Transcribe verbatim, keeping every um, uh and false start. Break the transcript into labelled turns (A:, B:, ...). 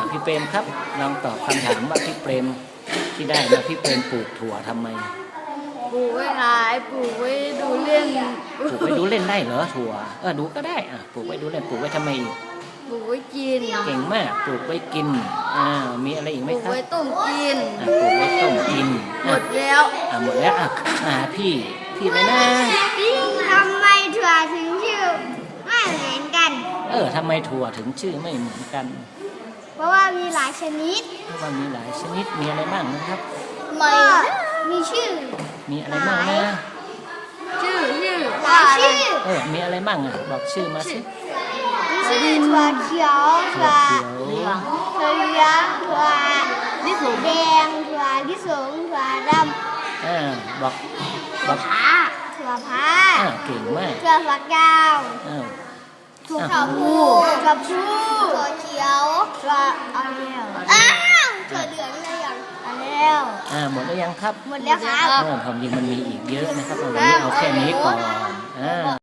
A: พี่เปรมครับลองตอบคำถามว่าพี่เปรมที่ได้มาพี่เปรมปลูกถั่วทำไม
B: ปลูกไว้ขายปลูกไว้ดูเล่น
A: ปลูกไว้ดูเล่นได้เหรอถั่วเออดูก็ได้อ่ะปลูกไว้ดูเล่นปลูกไว้ทำไมอีก
B: ปลูกไว้กิน
A: เก่งมากปลูกไว้กินอ่ามีอะไรอีกไหมครับ
B: ปลูกไว้ต้มกิน
A: ปลูกไว้ต้มกิน
B: หมดแล้ว
A: อ่าหมดแล้วอ่ะอ่าพี่พี่อะไรนะ
C: ทำไมถั่วถึงชื่อไม่เหมือนกัน
A: เออทำไมถั่วถึงชื่อไม่เหมือนกัน
C: เพราะว่ามีหลายชนิด
A: เพราะว่ามีหลายชนิดมีอะไรบ้างนะครับ
C: ก็มีชื่อ
A: มีอะไรบ้างนะ
B: ชื่อชื่อ
C: หลายชื่อ
A: เออมีอะไรบ้างอ่ะบอกชื่อมาสิ
C: มีชื่อถั่วเขียวถั่วเหลืองถั่วเหลืองถั่วลิสงแดงถั่วลิสงถั่วดำ
A: อ่าบอกบอก
C: ถั่วผ้าถั่วผ้า
A: อ่าเก่งมาก
C: ถั่วฝักยาว
A: อ่า
C: ถั่วพูถั่วพูถั่วเขียวถั่วอะไรอ้าวถั่วเหลืองอะไรอย่างอะไรแล้ว
A: อ่าหมดแล้วยังครับ
C: หมดแล้วครับ
A: อ่าความจริงมันมีอีกเยอะนะครับวันนี้เอาแค่นี้ก่อนอ่า